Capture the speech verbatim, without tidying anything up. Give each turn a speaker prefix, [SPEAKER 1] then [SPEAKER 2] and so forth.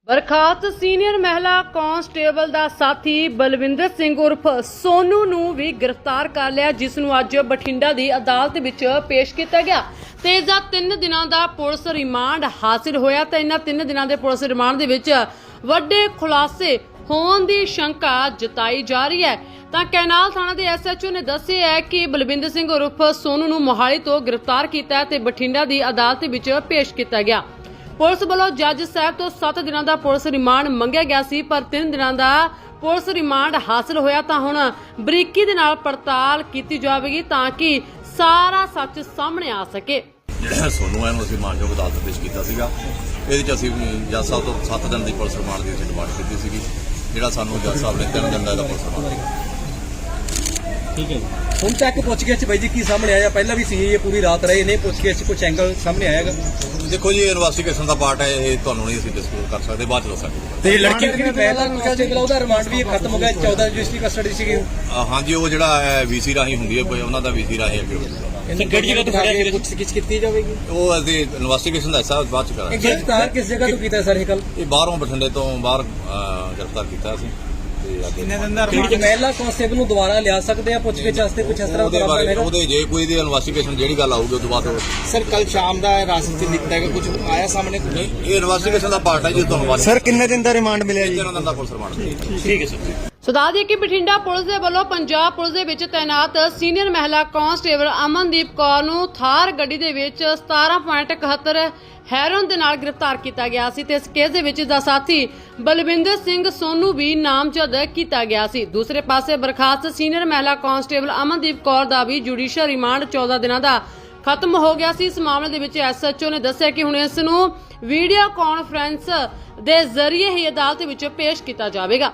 [SPEAKER 1] ਬਰਖਾਸਤ senior ਮਹਿਲਾ constable ਦਾ ਸਾਥੀ ਬਲਵਿੰਦਰ ਸਿੰਘ ਉਰਫ ਸੋਨੂ ਨੂੰ ਵੀ ਗ੍ਰਿਫਤਾਰ ਕਰ ਲਿਆ, ਜਿਸ ਨੂੰ ਅੱਜ ਬਠਿੰਡਾ ਦੀ ਅਦਾਲਤ ਵਿੱਚ ਪੇਸ਼ ਕੀਤਾ ਗਿਆ ਤੇ ਇਸ ਦਾ ਤਿੰਨ ਦਿਨਾਂ ਦਾ ਪੁਲਿਸ ਰਿਮਾਂਡ ਹਾਸਿਲ ਹੋਇਆ। ਤੇ ਇਹਨਾਂ ਤਿੰਨ ਦਿਨਾਂ ਦੇ ਪੁਲਿਸ ਰਿਮਾਂਡ ਦੇ ਵਿੱਚ ਵੱਡੇ ਖੁਲਾਸੇ ਹੋਣ ਦੀ ਸ਼ੰਕਾ ਜਤਾਈ ਜਾ ਰਹੀ ਹੈ। ਤਾਂ ਕੈਨਾਲ ਥਾਣਾ ਦੇ ਐਸ ਐਚ ਓ ਨੇ ਦੱਸਿਆ ਹੈ ਕਿ ਬਲਵਿੰਦਰ ਸਿੰਘ ਉਰਫ ਸੋਨੂ ਨੂੰ ਮੋਹਾਲੀ ਤੋਂ ਗ੍ਰਿਫਤਾਰ ਕੀਤਾ ਤੇ ਬਠਿੰਡਾ ਦੀ ਅਦਾਲਤ ਵਿੱਚ ਪੇਸ਼ ਕੀਤਾ ਗਿਆ। ਪੁਲਿਸ ਵੱਲੋਂ ਜੱਜ ਸਾਹਿਬ ਤੋਂ ਸੱਤ ਦਿਨਾਂ ਦਾ ਪੁਲਿਸ ਰਿਮਾਂਡ ਮੰਗਿਆ ਗਿਆ ਸੀ, ਪਰ ਤਿੰਨ ਦਿਨਾਂ ਦਾ ਪੁਲਿਸ ਰਿਮਾਂਡ ਹਾਸਲ ਹੋਇਆ। ਤਾਂ ਹੁਣ ਬਰੀਕੀ ਦੇ ਨਾਲ ਪੜਤਾਲ ਕੀਤੀ ਜਾਵੇਗੀ ਤਾਂ ਕਿ ਸਾਰਾ ਸੱਚ ਸਾਹਮਣੇ ਆ ਸਕੇ।
[SPEAKER 2] ਜਿਹੜਾ ਸੋਨੂ ਹੈ ਨੂੰ ਅਸੀਂ ਮਾਨਯੋਗ ਅਦਾਲਤ ਪੇਸ਼ ਕੀਤਾ ਸੀਗਾ। ਇਹਦੇ 'ਚ ਅਸੀਂ ਜੱਜ ਸਾਹਿਬ ਤੋਂ ਸੱਤ ਦਿਨ ਦੀ ਪੁਲਿਸ ਰਿਮਾਂਡ ਦੀ ਅਸੀਂ ਡਿਮਾਂਡ ਕੀਤੀ ਸੀਗੀ, ਜਿਹੜਾ ਸਾਨੂੰ ਜੱਜ ਸਾਹਿਬ ਨੇ ਤਿੰਨ ਦਿਨ ਦਾ ਇਹਦਾ ਪੁਲਿਸ ਰਿਮਾਂਡ ਦਿੱਤਾ।
[SPEAKER 3] ਠੀਕ ਹੈ, ਹੁਣ ਤੱਕ ਪੁੱਛਗਿੱਛ ਬਾਈ ਜੀ ਕੀ ਸਾਹਮਣੇ ਆਇਆ? ਪਹਿਲਾਂ ਵੀ ਸੀ ਇਹ ਪੂਰੀ ਰਾਤ ਰਹੇ ਨੇ, ਪੁੱਛਗਿੱਛ ਕੁਝ ਐਂਗਲ ਸਾਹਮਣੇ ਆਏਗਾ?
[SPEAKER 2] ਦੇਖੋ ਜੀ, ਇਨਵੈਸਟੀਗੇਸ਼ਨ ਦਾ ਪਾਰਟ ਹੈ, ਇਹ ਤੁਹਾਨੂੰ ਨਹੀਂ ਅਸੀਂ ਡਿਸਕਲੋਜ਼ ਕਰ ਸਕਦੇ, ਬਾਅਦ ਚ ਦੱਸ ਸਕਦੇ।
[SPEAKER 3] ਤੇ ਲੜਕੀ ਦੀ ਪਹਿਲਾਂ ਕਾਂਸਟੇਬਲ ਉਹਦਾ ਰਿਮਾਂਡ ਵੀ ਖਤਮ ਹੋ ਗਿਆ, ਚੌਦਾਂ ਰਜਿਸਟਰੀ ਕਸਟਡੀ ਸੀਗੀ।
[SPEAKER 2] ਹਾਂਜੀ, ਉਹ ਜਿਹੜਾ ਹੈ ਵੀਸੀ ਰਾਹੀਂ ਹੁੰਦੀ ਹੈ, ਕੋਈ ਉਹਨਾਂ ਦਾ ਵੀਸੀ ਰਾਹੀਂ ਅੱਗੇ ਹੋਊਗਾ।
[SPEAKER 3] ਕਿਹੜੀ ਜਗ੍ਹਾ ਤੋਂ ਫੜਿਆ ਸੀ? ਪੁੱਛਗਿੱਛ ਕੀਤੀ ਜਾਵੇਗੀ।
[SPEAKER 2] ਉਹ ਅਸੀਂ ਇਨਵੈਸਟੀਗੇਸ਼ਨ ਦਾ ਹਿੱਸਾ ਬਾਅਦ ਚ ਕਰਾਂਗੇ।
[SPEAKER 3] ਗ੍ਰਿਫਤਾਰ ਕਿਸ ਜਗ੍ਹਾ ਤੋਂ ਕੀਤਾ ਸਰ ਇਹ ਕੱਲ?
[SPEAKER 2] ਇਹ ਬਾਹਰੋਂ ਬਠਿੰਡੇ ਤੋਂ ਬਾਹਰ ਅਹ, ਗ੍ਰਿਫਤਾਰ ਕੀਤਾ ਅਸੀਂ ਤੇ ਅੱਗੇ
[SPEAKER 3] ਮਹਿਲਾ ਕਾਂਸਟੇਬਲ ਨੂੰ ਦੁਬਾਰਾ ਲਿਆ ਸਕਦੇ ਆ ਪੁੱਛਗਿੱਛ ਵਾਸਤੇ? ਕੁਝ ਇਸ ਤਰ੍ਹਾਂ
[SPEAKER 2] ਉਹਦੇ ਬਾਰੇ ਉਹਦੇ ਜੇ ਕੋਈ ਦੀ ਇਨਵੈਸਟੀਗੇਸ਼ਨ ਜਿਹੜੀ ਗੱਲ ਆਊਗੀ ਉਸ ਤੋਂ ਬਾਅਦ
[SPEAKER 4] ਸਰ ਕੱਲ ਸ਼ਾਮ ਦਾ ਰਾਸਤੇ ਚ ਨਿਕਲਦਾ ਹੈ, ਕੁਝ ਆਇਆ ਸਾਹਮਣੇ?
[SPEAKER 2] ਨਹੀਂ, ਇਹ ਇਨਵੈਸਟੀਗੇਸ਼ਨ ਦਾ ਪਾਰਟ ਹੈ ਜੀ। ਤੁਹਾਨੂੰ
[SPEAKER 5] ਸਰ ਕਿੰਨੇ ਦਿਨ ਦਾ ਰਿਮਾਂਡ ਮਿਲਿਆ ਜੀ?
[SPEAKER 2] ਤਿੰਨ ਦਿਨ ਦਾ ਪੁਲਿਸ ਰਿਮਾਂਡ।
[SPEAKER 3] ਠੀਕ ਹੈ ਸਰ।
[SPEAKER 1] ਸੋ ਦੱਸ ਦਈਏ ਕਿ ਬਠਿੰਡਾ ਪੁਲਿਸ ਦੇ ਵੱਲੋਂ ਪੰਜਾਬ ਪੁਲਿਸ ਦੇ ਵਿੱਚ ਤਾਇਨਾਤ ਸੀਨੀਅਰ ਮਹਿਲਾ ਕਾਂਸਟੇਬਲ ਅਮਨਦੀਪ ਕੌਰ ਨੂੰ ਥਾਰ ਗੱਡੀ ਦੇ ਵਿੱਚ ਸਤਾਰਾਂ ਪੁਆਇੰਟ ਇਕਹੱਤਰ ਹੈਰੋਨ ਦੇ ਨਾਲ ਗ੍ਰਿਫਤਾਰ ਕੀਤਾ ਗਿਆ ਸੀ ਤੇ ਇਸ ਕੇਸ ਦੇ ਵਿੱਚ ਦਾ ਸਾਥੀ ਬਲਵਿੰਦਰ ਸਿੰਘ ਸੋਨੂ ਵੀ ਨਾਮਜ਼ਦ ਕੀਤਾ ਗਿਆ ਸੀ। ਦੂਸਰੇ ਪਾਸੇ ਬਰਖਾਸਤ ਸੀਨੀਅਰ ਮਹਿਲਾ ਕਾਂਸਟੇਬਲ ਅਮਨਦੀਪ ਕੌਰ ਦਾ ਵੀ ਜੁਡੀਸ਼ੀਅਲ ਰਿਮਾਂਡ ਚੌਦਾਂ ਦਿਨਾਂ ਦਾ ਖਤਮ ਹੋ ਗਿਆ ਸੀ। ਇਸ ਮਾਮਲੇ ਦੇ ਵਿੱਚ ਐਸ ਐਚ ਓ ਨੇ ਦੱਸਿਆ ਕਿ ਹੁਣ ਇਸ ਨੂੰ ਵੀਡੀਓ ਕਾਨਫਰੰਸ ਦੇ ਜ਼ਰੀਏ ਹੀ ਅਦਾਲਤ ਵਿੱਚ ਪੇਸ਼ ਕੀਤਾ ਜਾਵੇਗਾ।